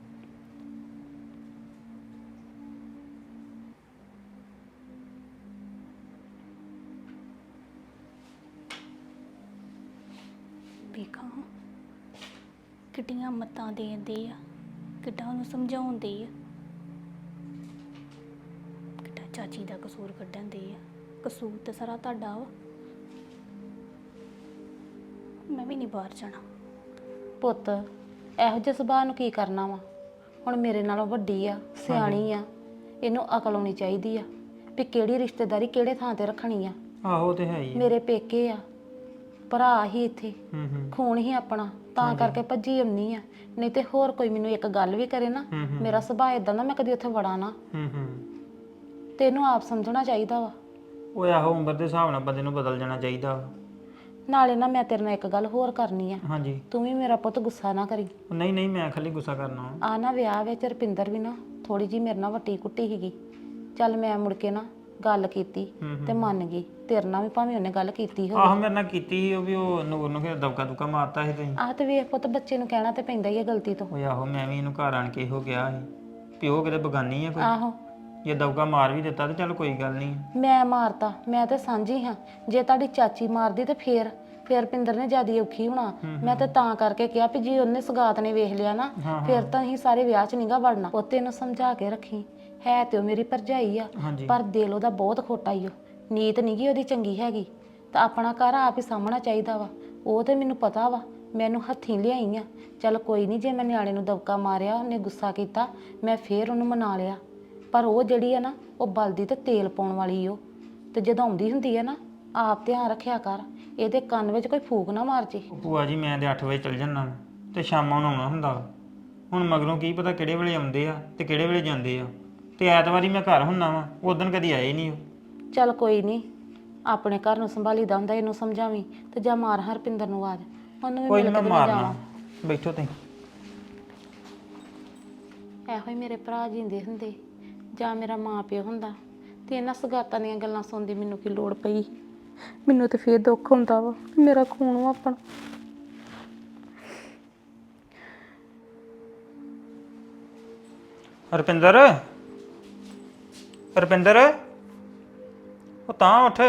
ਵੇਖਾਂ ਕਿੱਡੀਆਂ ਮੱਤਾਂ ਦੇਂਦੇ ਆ, ਕਿੱਡਾ ਉਹਨੂੰ ਸਮਝਾਉਂਦੇ ਆ, ਕਿੱਡਾ ਚਾਚੀ ਦਾ ਕਸੂਰ ਕੱਢਣ ਦੇ ਆ। ਕਸੂਰ ਤੇ ਸਾਰਾ ਤੁਹਾਡਾ ਵਾ। ਮੈਂ ਵੀ ਨਹੀਂ ਬਾਹਰ ਜਾਣਾ।
ਪੁੱਤ ਇਹੋ ਜਿਹੇ ਸੁਭਾਅ ਨੂੰ ਕੀ ਕਰਨਾ ਵਾ। ਹੁਣ ਮੇਰੇ ਨਾਲੋਂ ਵੱਡੀ ਆ, ਸਿਆਣੀ ਆ, ਇਹਨੂੰ ਅਕਲ ਆਉਣੀ ਚਾਹੀਦੀ ਆ ਵੀ ਕਿਹੜੀ ਰਿਸ਼ਤੇਦਾਰੀ ਕਿਹੜੇ ਥਾਂ ਤੇ ਰੱਖਣੀ ਆ।
ਆਹੋ ਤੇ ਹੈ ਹੀ ਆ।
ਮੇਰੇ ਪੇਕੇ ਆ, ਭਰਾ ਹੀ ਇੱਥੇ,
ਹੂੰ
ਖੂਨ ਹੀ ਆਪਣਾ, ਤਾਂ ਕਰਕੇ ਭੱਜੀ ਆਉਣੀ ਆ। ਨਹੀਂ ਤੇ ਹੋਰ ਕੋਈ ਮੈਨੂੰ ਇੱਕ ਗੱਲ ਵੀ ਕਰੇ ਨਾ, ਮੇਰਾ ਸੁਭਾਅ ਇਦਾਂ ਦਾ, ਮੈਂ ਕਦੀ ਉੱਥੇ ਵੜਾ ਨਾ। ਤੇ ਇਹਨੂੰ ਆਪ ਸਮਝਣਾ ਚਾਹੀਦਾ ਵਾ।
ਉਹ ਆਹੋ ਉਮਰ ਦੇ ਹਿਸਾਬ ਨਾਲ ਬੰਦੇ ਨੂੰ ਬਦਲ ਜਾਣਾ ਚਾਹੀਦਾ ਵਾ।
ਨਾਲੇ ਨਾ ਮੈਂ ਤੇਰੇ ਨਾਲ ਇੱਕ ਗੱਲ ਹੋਰ ਕਰਨੀ ਆ।
ਹਾਂਜੀ।
ਤੂੰ ਵੀ ਮੇਰਾ ਪੁੱਤ ਗੁੱਸਾ ਨਾ ਕਰੀ।
ਨਹੀਂ ਨਹੀਂ, ਮੈਂ ਖਾਲੀ ਗੁੱਸਾ ਕਰਨਾ।
ਆ ਨਾ ਵਿਆਹ ਵਿੱਚ ਰੁਪਿੰਦਰ ਵੀ ਨਾ ਥੋੜੀ ਜੀ ਮੇਰੇ ਨਾਲ ਵੱਟੀ ਕੁੱਟੀ ਸੀਗੀ। ਚੱਲ ਮੈਂ ਮੁੜ ਕੇ ਨਾ ਗੱਲ ਕੀਤੀ ਤੇ ਮੰਨ ਗਈ। ਤੇਰੇ ਨਾਲ ਵੀ ਭਾਵੇਂ ਉਹਨੇ ਗੱਲ ਕੀਤੀ ਹੋਵੇ।
ਆਹੋ ਮੇਰੇ ਨਾਲ ਕੀਤੀ ਸੀ ਉਹ ਵੀ, ਉਹ ਨੂਰ ਨੂੰ ਫਿਰ ਦਬਕਾ ਦੁਕਾ ਮਾਰਤਾ ਸੀ ਤੁਸੀਂ।
ਆਹ ਤੇ ਵੇਖ ਪੁੱਤ, ਬੱਚੇ ਨੂੰ ਕਹਿਣਾ ਤੇ ਪੈਂਦਾ ਹੀ ਹੈ ਗਲਤੀ ਤੋਂ।
ਉਹ ਆਹੋ ਮੈਂ ਵੀ ਇਹਨੂੰ ਘਰ ਆਣ ਕੇ ਇਹੋ ਕਿਹਾ ਸੀ ਵੀ ਉਹ ਕਿਤੇ ਬਗਾਨੀ ਆ ਕੋਈ।
ਆਹੋ
ਜੇ ਦਬਕਾ ਮਾਰ ਵੀ ਦਿੱਤਾ ਤੇ ਚੱਲ ਕੋਈ ਗੱਲ ਨਹੀਂ।
ਮੈਂ ਮਾਰਤਾ, ਮੈਂ ਤੇ ਸਾਂਝੀ ਹਾਂ। ਜੇ ਤੁਹਾਡੀ ਚਾਚੀ ਮਾਰਦੀ ਤੇ ਫੇਰ ਰੁਪਿੰਦਰ ਨੇ ਜਿਆਦੀ ਔਖੀ ਹੋਣਾ। ਮੈਂ ਤੇ ਤਾਂ ਕਰਕੇ ਕਿਹਾ ਵੀ ਜੇ ਉਹਨੇ ਸਗਾਤ ਨੇ ਵੇਖ ਲਿਆ ਨਾ, ਫਿਰ ਤਾਂ ਅਸੀਂ ਸਾਰੇ ਵਿਆਹ 'ਚ ਨੀਗਾ ਵੜਨਾ। ਪੁੱਤੇ ਨੂੰ ਸਮਝਾ ਕੇ ਰੱਖੀ। ਹੈ ਤੇ ਉਹ ਮੇਰੀ ਭਰਜਾਈ ਆ, ਪਰ ਦਿਲ ਉਹਦਾ ਬਹੁਤ ਖੋਟਾ ਈ ਓ। ਨੀਤ ਨੀਗੀ ਉਹਦੀ ਚੰਗੀ ਹੈਗੀ। ਤਾਂ ਆਪਣਾ ਘਰ ਆਪ ਹੀ ਸਾਂਭਣਾ ਚਾਹੀਦਾ ਵਾ। ਉਹ ਤੇ ਮੈਨੂੰ ਪਤਾ ਵਾ, ਮੈਨੂੰ ਹੱਥੀਂ ਲਿਆਈ ਆ। ਚੱਲ ਕੋਈ ਨਹੀਂ, ਜੇ ਮੈਂ ਨਿਆਣੇ ਨੂੰ ਦਬਕਾ ਮਾਰਿਆ, ਉਹਨੇ ਗੁੱਸਾ ਕੀਤਾ, ਮੈਂ ਫੇਰ ਉਹਨੂੰ ਮਨਾ ਲਿਆ। ਪਰ ਉਹ ਜਿਹੜੀ ਆ ਨਾ, ਉਹ ਬਲਦੀ ਤੇ ਤੇਲ ਪਾਉਣ ਵਾਲੀ ਓ। ਤੇ ਜਦੋਂ ਆਉਂਦੀ ਹੁੰਦੀ ਆ ਨਾ, ਆਪ ਧਿਆਨ ਰੱਖਿਆ ਕਰ, ਇਹਦੇ ਕੰਨ ਵਿੱਚ ਕੋਈ ਫੂਕ ਨਾ ਮਾਰ ਜੇ।
ਭੂਆ ਜੀ ਮੈਂ ਤੇ 8 ਵਜੇ ਚੱਲ ਜੰਨਾ ਤੇ ਸ਼ਾਮਾਂ ਨੂੰ ਆਉਣਾ ਹੁੰਦਾ। ਹੁਣ ਮਗਰੋਂ ਕੀ ਪਤਾ ਕਿਹੜੇ ਵੇਲੇ ਆਉਂਦੇ ਆ ਤੇ ਕਿਹੜੇ ਵੇਲੇ ਜਾਂਦੇ ਆ। ਤੇ ਐਤਵਾਰੀ ਮੈਂ ਘਰ ਹੁੰਨਾ ਵਾ, ਉਦੋਂ ਕਦੀ ਆਏ ਨਹੀਂ ਉਹ।
ਚੱਲ ਕੋਈ ਨਹੀਂ, ਆਪਣੇ ਘਰ ਨੂੰ ਸੰਭਾਲੀਦਾ ਹੁੰਦਾ। ਇਹਨੂੰ ਸਮਝਾਵੀਂ ਤੇ ਜਾਂ ਮਾਰ ਹਰਪਿੰਦਰ ਨੂੰ ਆਵਾਜ਼, ਉਹਨੂੰ ਵੀ
ਕੋਈ
ਮਿਲ
ਨਹੀਂ
ਕੇ
ਮੈਂ
ਤੇ
ਮਾਰਨਾ।
ਜਾਣਾ।
ਬੈਠੋ ਤੁਸੀਂ।
ਇਹੋ ਹੀ ਮੇਰੇ ਭਰਾ ਜਿੰਦੇ ਹੁੰਦੇ ਜਾਂ ਮੇਰਾ ਮਾਂ ਪਿਓ ਹੁੰਦਾ ਤੇ ਇਹਨਾਂ ਸਗਾਤਾਂ ਦੀਆਂ ਗੱਲਾਂ ਸੁਣਦੀ ਮੈਨੂੰ ਕੀ ਲੋੜ ਪਈ। ਮੈਨੂੰ ਤੇ ਫੇਰ ਦੁੱਖ ਹੁੰਦਾ ਵਾ, ਮੇਰਾ ਖੂਨ ਵਾ ਆਪਣਾ।
ਰੁਪਿੰਦਰ, ਰੁਪਿੰਦਰ, ਉਹ ਤਾਂ ਉੱਠ।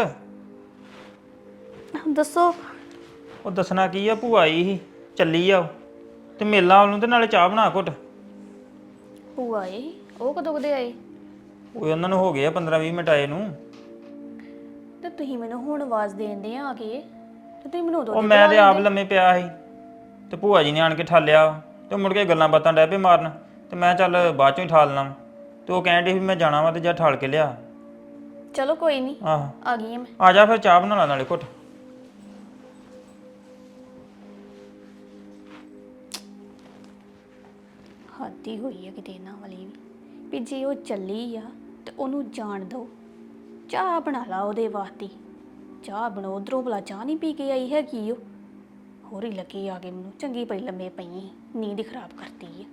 ਦੱਸੋ।
ਉਹ ਦੱਸਣਾ ਕੀ ਆ, ਭੂਆ ਆਈ ਸੀ, ਚੱਲੀ ਆ ਉਹ। ਤੇ ਮੇਲਾ ਉਹਨੂੰ ਤੇ ਨਾਲੇ ਚਾਹ ਬਣਾ ਘੁੱਟ।
ਭੂਆ ਆਏ? ਉਹ ਕਦੋਂ ਕਦੇ ਆਏ?
ਉਹ ਉਹਨਾਂ ਨੂੰ ਹੋ ਗਏ ਆ 15-20 ਮਿੰਟ ਆਏ ਨੂੰ।
ਤੇ ਤੁਸੀਂ ਮੈਨੂੰ ਹੁਣ ਆਵਾਜ਼ ਦੇਂਦੇ ਆ ਕੇ, ਤੇ ਤੁਸੀਂ ਮੈਨੂੰ ਉਦੋਂ
ਉਹ ਮੈਂ ਤੇ ਆਪ ਲੰਮੇ ਪਿਆ ਸੀ ਤੇ ਭੂਆ ਜੀ ਨੇ ਆਣ ਕੇ ਠਾਲਿਆ ਤੇ ਮੁੜ ਕੇ ਗੱਲਾਂ ਬਾਤਾਂ ਡੈ ਪਏ ਮਾਰਨ। ਤੇ ਮੈਂ ਚੱਲ ਬਾਅਦ ਚੋਂ ਹੀ ਠਾਲਣਾ। ਤੇ ਉਹ ਕਹਿਣ ਡਈ ਵੀ ਮੈਂ ਜਾਣਾ ਵਾ ਤੇ ਜਾ ਠਾਲ ਕੇ ਲਿਆ।
ਚਲੋ ਕੋਈ ਨਹੀਂ,
ਆਹੋ
ਆ ਗਈ ਆ ਮੈਂ।
ਆ ਜਾ ਫਿਰ ਚਾਹ ਬਣਾ ਲਾ ਨਾਲੇ ਘੁੱਟ।
ਹੱਦੀ ਹੋਈ ਆ ਕਿਤੇ ਇਹਨਾਂ ਵਾਲੀ ਵੀ ਜੇ ਉਹ ਚੱਲੀ ਆ ਤੇ ਉਹਨੂੰ ਜਾਣ ਦਿਓ। ਚਾਹ ਬਣਾ ਲਾ ਉਹਦੇ ਵਾਸਤੇ। ਚਾਹ ਬਣੋ, ਉਧਰੋਂ ਭਲਾ ਚਾਹ ਨਹੀਂ ਪੀ ਕੇ ਆਈ ਹੈਗੀ ਉਹ। ਹੋਰ ਹੀ ਲੱਗੀ ਆ ਕੇ ਮੈਨੂੰ, ਚੰਗੀ ਪਈ ਲੰਮੇ ਪਈ, ਨੀਂਦ ਹੀ ਖਰਾਬ ਕਰਤੀ ਆ।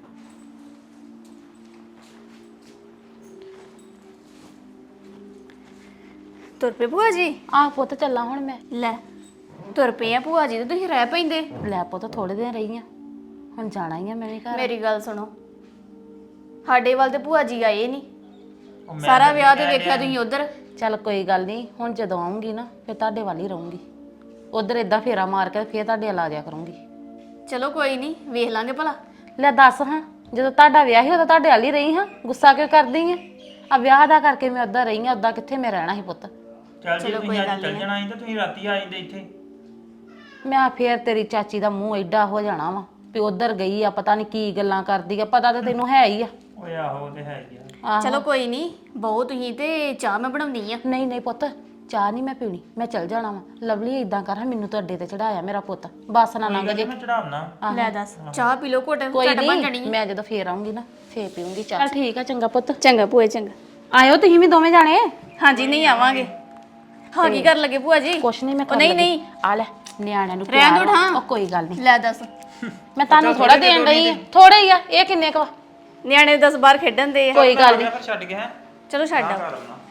ਤੁਰ ਪਏ ਭੂਆ ਜੀ?
ਆਹ ਪੁੱਤ ਚੱਲਾਂ ਹੁਣ ਮੈਂ।
ਲੈ ਤੁਰ ਪਏ ਆ ਭੂਆ ਜੀ ਤੇ ਤੁਸੀਂ ਰਹਿ ਪੈਂਦੇ।
ਲੈ ਪੁੱਤ ਥੋੜੇ ਦਿਨ ਰਹੀ ਆ, ਹੁਣ ਜਾਣਾ ਹੀ ਆ ਮੈਂ ਵੀ ਘਰ।
ਮੇਰੀ ਗੱਲ ਸੁਣੋ, ਸਾਡੇ ਵੱਲ ਤੇ ਭੂਆ ਜੀ ਆਏ ਨਹੀਂ। ਸਾਰਾ ਵਿਆਹ ਤੇ ਵੇਖਿਆ ਤੁਸੀਂ ਉਧਰ।
ਚੱਲ ਕੋਈ ਗੱਲ ਨਹੀਂ, ਹੁਣ ਜਦੋਂ ਆਉਂਗੀ ਨਾ ਫਿਰ ਤੁਹਾਡੇ ਵੱਲ ਹੀ ਰਹੂੰਗੀ। ਉਧਰ ਇਦਾਂ ਫੇਰਾ ਮਾਰ ਕੇ ਫਿਰ ਤੁਹਾਡੇ ਵੱਲ ਆ ਜਾਇਆ ਕਰੂੰਗੀ।
ਚਲੋ ਕੋਈ ਨਹੀਂ, ਵੇਖ ਲਾਂਗੇ ਭਲਾ।
ਲੈ ਦੱਸ ਹਾਂ, ਜਦੋਂ ਤੁਹਾਡਾ ਵਿਆਹ ਸੀ ਉਦੋਂ ਤੁਹਾਡੇ ਵੱਲ ਹੀ ਰਹੀ ਹਾਂ, ਗੁੱਸਾ ਕਿਉਂ ਕਰਦੀ ਆ ਵਿਆਹ ਦਾ ਕਰਕੇ ਮੈਂ ਉੱਦਾਂ ਰਹੀ ਹਾਂ, ਉੱਦਾਂ ਕਿੱਥੇ ਮੈਂ ਰਹਿਣਾ ਸੀ ਪੁੱਤ।
ਚੱਲ ਜੇ ਤੁਸੀਂ ਅੱਜ ਚੱਲ ਜਾਣਾ ਸੀ ਤਾਂ ਤੁਸੀਂ ਰਾਤੀ ਆ ਜਾਂਦੇ ਇੱਥੇ।
ਮੈਂ ਫੇਰ ਤੇਰੀ ਚਾਚੀ ਦਾ ਮੂੰਹ ਐਡਾ ਹੋ ਜਾਣਾ ਵਾ ਵੀ ਉਧਰ ਗਈ ਆ, ਪਤਾ ਨਹੀਂ ਕੀ ਗੱਲਾਂ ਕਰਦੀ ਆ। ਪਤਾ ਤਾਂ ਤੈਨੂੰ ਹੈ ਹੀ ਆ।
ਓਏ ਆਹੋ ਤੇ ਹੈ ਹੀ ਆ।
ਆਹੋ।
ਚਲੋ ਕੋਈ ਨਹੀਂ, ਬਹੁਤ ਤੁਸੀਂ ਤੇ ਚਾਹ ਮੈਂ ਬਣਾਉਣੀ ਆ।
ਨਹੀਂ ਨਹੀਂ ਪੁੱਤ, ਚਾਹ ਨਹੀਂ ਮੈਂ ਪੀਣੀ, ਮੈਂ ਚੱਲ ਜਾਣਾ ਵਾ। ਲਵਲੀ ਇਦਾਂ ਕਰ, ਮੈਨੂੰ ਤਾਂ ਅੱਡੇ ਤੇ ਚੜਾਇਆ ਮੇਰਾ ਪੁੱਤ, ਬੱਸ ਨਾ ਲੰਘ ਜੇ।
ਮੈਂ ਚੜਾਉਣਾ।
ਲੈ ਦੱਸ, ਚਾਹ ਪੀ ਲਓ ਘੁੱਟ,
ਕੋਈ
ਝਟ ਬਣ ਜਾਣੀ
ਨਹੀਂ,
ਆ।
ਮੈਂ ਜਦੋਂ ਫੇਰ ਆਉਂਗੀ ਨਾ ਫੇਰ ਪੀਉਂਗੀ ਚਾਹ। ਚੱਲ ਠੀਕ ਆ, ਚੰਗਾ ਪੁੱਤ।
ਚੰਗਾ ਭੂਆ, ਚੰਗਾ।
ਆਇਓ ਤੁਸੀਂ ਵੀ ਦੋਵੇਂ ਜਾਣੇ।
ਹਾਂਜੀ ਨਹੀਂ ਆਵਾਂਗੇ। ਹਾਂ ਕੀ ਕਰਨ ਲੱਗੇ ਭੂਆ ਜੀ?
ਕੁਛ ਨਹੀਂ ਮੈਂ
ਉਹ ਨਹੀਂ ਨਹੀਂ
ਆ ਲੈ ਨਿਆਣਿਆਂ ਨੂੰ
ਰਹਿਣ
ਪਿਆਰ
ਦਿਓ ਠਾਂ।
ਉਹ ਕੋਈ ਗੱਲ ਨਹੀਂ।
ਲੈ ਦੱਸ,
ਮੈਂ ਤੁਹਾਨੂੰ ਥੋੜਾ ਦੇਣ ਰਹੀ ਆ, ਥੋੜਾ ਹੀ ਆ। ਇਹ ਕਿੰਨੇ ਕੁ ਵਾ?
ਨਿਆਣੇ ਦੱਸ ਬਾਹਰ ਖੇਡਣ ਦੇ ਆ।
ਕੋਈ ਗੱਲ ਨਹੀਂ।
ਫਿਰ ਛੱਡ ਕੇ ਹੈ
ਚਲੋ ਛੱਡ ਆਓ।
ਘਰ ਆਉਣਾ।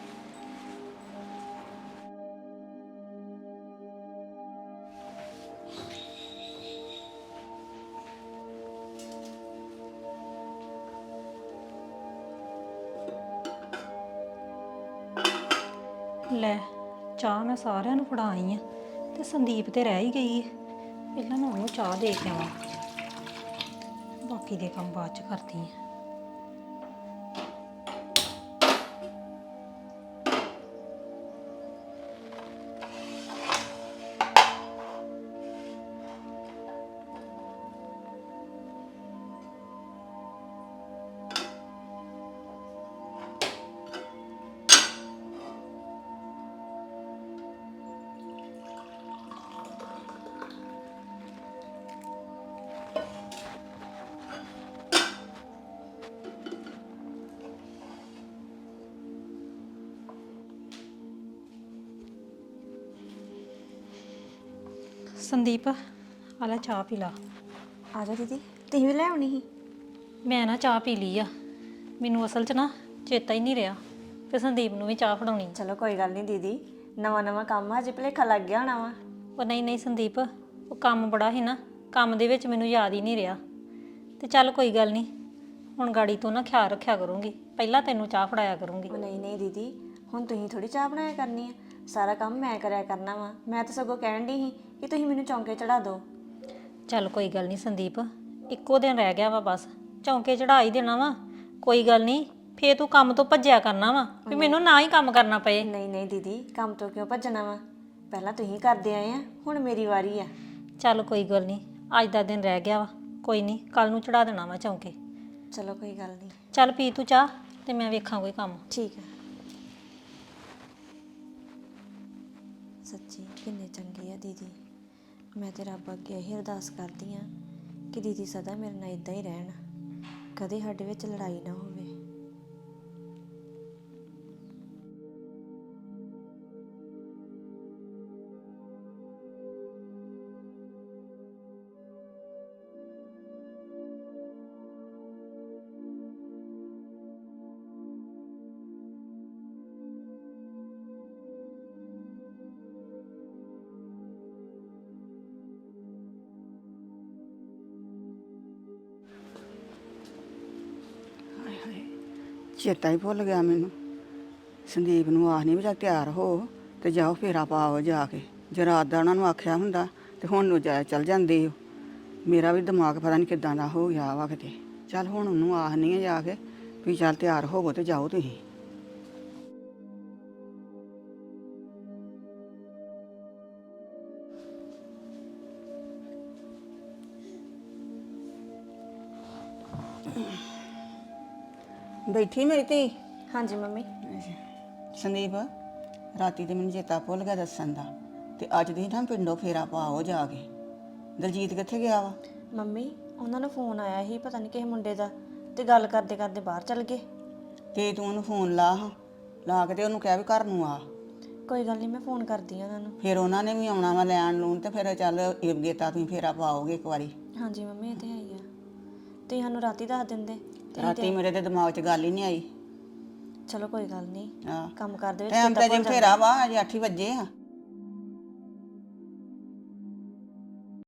ਲੈ ਚਾਹ ਮੈਂ ਸਾਰਿਆਂ ਨੂੰ ਫੜਾ ਆਈ ਆ ਤੇ ਸੰਦੀਪ ਤੇ ਰਹਿ ਹੀ ਗਈ ਹੈ। ਪਹਿਲਾਂ ਮੈਂ ਉਹਨੂੰ ਚਾਹ ਦੇ ਕੇ ਆਵਾਂ, ਬਾਕੀ ਦੇ ਕੰਮ ਬਾਅਦ ਚ ਕਰਦੀ ਆ। ਸੰਦੀਪ ਆ ਲੈ ਚਾਹ ਪੀ ਲਾ।
ਆ ਜਾ ਦੀਦੀ, ਤੁਸੀਂ ਵੀ ਲੈ ਆਉਣੀ ਸੀ।
ਮੈਂ ਨਾ ਚਾਹ ਪੀ ਲਈ ਆ, ਮੈਨੂੰ ਅਸਲ 'ਚ ਨਾ ਚੇਤਾ ਹੀ ਨਹੀਂ ਰਿਹਾ ਤੇ ਸੰਦੀਪ ਨੂੰ ਵੀ ਚਾਹ ਫੜਾਉਣੀ।
ਚਲੋ ਕੋਈ ਗੱਲ ਨਹੀਂ ਦੀਦੀ, ਨਵਾਂ ਨਵਾਂ ਕੰਮ ਆ, ਹਜੇ ਭੁਲੇਖਾ ਲੱਗ ਗਿਆ ਹੋਣਾ ਵਾ।
ਉਹ ਨਹੀਂ ਨਹੀਂ ਸੰਦੀਪ, ਉਹ ਕੰਮ ਬੜਾ ਸੀ ਨਾ, ਕੰਮ ਦੇ ਵਿੱਚ ਮੈਨੂੰ ਯਾਦ ਹੀ ਨਹੀਂ ਰਿਹਾ। ਤੇ ਚੱਲ ਕੋਈ ਗੱਲ ਨਹੀਂ, ਹੁਣ ਗਾੜੀ ਤੋਂ ਨਾ ਖਿਆਲ ਰੱਖਿਆ ਕਰੂੰਗੀ, ਪਹਿਲਾਂ ਤੈਨੂੰ ਚਾਹ ਫੜਾਇਆ ਕਰੂੰਗੀ।
ਉਹ ਨਹੀਂ ਨਹੀਂ ਦੀਦੀ, ਹੁਣ ਤੁਸੀਂ ਥੋੜੀ ਚਾਹ ਬਣਾਇਆ ਕਰਨੀ ਆ, ਸਾਰਾ ਕੰਮ ਮੈਂ ਕਰਿਆ ਕਰਨਾ ਵਾ। ਮੈਂ ਤਾਂ ਸਗੋਂ ਕਹਿਣ ਦੀ ਸੀ ਕਿ ਤੁਸੀਂ ਮੈਨੂੰ ਚੌਂਕੇ ਚੜਾ ਦਿਓ।
ਚੱਲ ਕੋਈ ਗੱਲ ਨਹੀਂ ਸੰਦੀਪ, ਇੱਕੋ ਦਿਨ ਰਹਿ ਗਿਆ ਵਾ ਬਸ, ਚੌਂਕੇ ਚੜਾ ਹੀ ਦੇਣਾ ਵਾ। ਕੋਈ ਗੱਲ ਨਹੀਂ, ਫੇਰ ਤੂੰ ਕੰਮ ਤੋਂ ਭੱਜਿਆ ਕਰਨਾ ਵਾ ਵੀ ਮੈਨੂੰ ਨਾ ਹੀ ਕੰਮ ਕਰਨਾ ਪਏ।
ਨਹੀਂ ਨਹੀਂ ਦੀਦੀ, ਕੰਮ ਤੋਂ ਕਿਉਂ ਭੱਜਣਾ ਵਾ? ਪਹਿਲਾਂ ਤੁਸੀਂ ਕਰਦੇ ਆਏ ਆ, ਹੁਣ ਮੇਰੀ ਵਾਰੀ ਆ।
ਚੱਲ ਕੋਈ ਗੱਲ ਨਹੀਂ, ਅੱਜ ਦਾ ਦਿਨ ਰਹਿ ਗਿਆ ਵਾ, ਕੋਈ ਨਹੀਂ ਕੱਲ ਨੂੰ ਚੜਾ ਦੇਣਾ ਵਾ ਚੌਂਕੇ।
ਚਲੋ ਕੋਈ ਗੱਲ ਨਹੀਂ।
ਚੱਲ ਪੀ ਤੂੰ ਚਾਹ ਤੇ ਮੈਂ ਵੇਖਾਂ ਕੋਈ ਕੰਮ।
ਠੀਕ ਹੈ। ਸੱਚੀ ਕਿੰਨੇ ਚੰਗੇ ਆ ਦੀਦੀ। ਮੈਂ ਤੇ ਰੱਬ ਅੱਗੇ ਇਹੀ ਅਰਦਾਸ ਕਰਦੀ ਆ ਕਿ ਦੀਦੀ ਸਦਾ ਮੇਰੇ ਨਾਲ ਇਦਾਂ ਹੀ ਰਹਿਣ, ਕਦੇ ਸਾਡੇ ਵਿੱਚ ਲੜਾਈ ਨਾ ਹੋਵੇ।
ਚੇਤਾ ਹੀ ਭੁੱਲ ਗਿਆ ਮੈਨੂੰ। ਸੰਦੀਪ ਨੂੰ ਆਖਣੀ ਵੀ ਚੱਲ ਤਿਆਰ ਹੋ ਤੇ ਜਾਓ ਫੇਰਾ ਪਾਓ ਜਾ ਕੇ। ਜੇ ਰਾਤ ਦਾ ਉਹਨਾਂ ਨੂੰ ਆਖਿਆ ਹੁੰਦਾ ਤੇ ਹੁਣ ਨੂੰ ਚੱਲ ਜਾਂਦੇ ਹੋ। ਮੇਰਾ ਵੀ ਦਿਮਾਗ ਪਤਾ ਨਹੀਂ ਕਿੱਦਾਂ ਦਾ ਹੋ ਗਿਆ ਵਾ ਕਿਤੇ। ਚੱਲ ਹੁਣ ਉਹਨੂੰ ਆਖਣੀ ਆ ਜਾ ਕੇ ਵੀ ਚੱਲ ਤਿਆਰ ਹੋਵੋ ਤੇ ਜਾਓ ਤੁਸੀਂ। ਬੈਠੀ ਮੇਰੀ ਧੀ?
ਹਾਂਜੀ ਮੰਮੀ।
ਸੰਦੀਪ, ਰਾਤੀ ਤੇ ਮੈਨੂੰ ਚੇਤਾ ਭੁੱਲ ਗਿਆ ਦੱਸਣ ਦਾ, ਤੇ ਅੱਜ ਦੀ ਨਾ ਪਿੰਡੋਂ ਫੇਰਾ ਪਾਓ ਜਾ ਕੇ। ਦਲਜੀਤ ਕਿੱਥੇ ਗਿਆ ਵਾ?
ਮੰਮੀ ਉਹਨਾਂ ਨੂੰ ਫੋਨ ਆਇਆ ਸੀ ਪਤਾ ਨਹੀਂ ਕਿਸੇ ਮੁੰਡੇ ਦਾ, ਤੇ ਗੱਲ ਕਰਦੇ ਕਰਦੇ ਬਾਹਰ ਚਲ ਗਏ।
ਤੇ ਤੂੰ ਉਹਨੂੰ ਫੋਨ ਲਾ ਕੇ ਤੇ ਉਹਨੂੰ ਕਹਿ ਵੀ ਘਰ ਨੂੰ ਆ।
ਕੋਈ ਗੱਲ ਨਹੀਂ, ਮੈਂ ਫੋਨ ਕਰਦੀ ਆ ਉਹਨਾਂ ਨੂੰ।
ਫਿਰ ਉਹਨਾਂ ਨੇ ਵੀ ਆਉਣਾ ਵਾ ਲੈਣ ਲੂਣ, ਤੇ ਫਿਰ ਚੱਲ ਗੇਤਾ ਤੁਸੀਂ ਫੇਰਾ ਪਾਓਗੇ ਇੱਕ ਵਾਰੀ।
ਹਾਂਜੀ ਮੰਮੀ ਇਹ ਤੇ ਹੈ ਹੀ ਆ, ਤੁਸੀਂ ਸਾਨੂੰ ਰਾਤੀ ਦੱਸ ਦਿੰਦੇ ਤੇ
ਰਾਤੀ ਮੇਰੇ ਤੇ ਦਿਮਾਗ 'ਚ ਗੱਲ ਹੀ ਨਹੀਂ ਆਈ।
ਚਲੋ ਕੋਈ ਗੱਲ ਨਹੀਂ,
ਹਾਂ
ਕੰਮ ਕਰਦੇ ਵਿੱਚ
ਟਾਈਮ ਤਾਂ ਜੇ ਫੇਰਾ ਵਾ, ਅਜੇ 8 ਵਜੇ ਆ।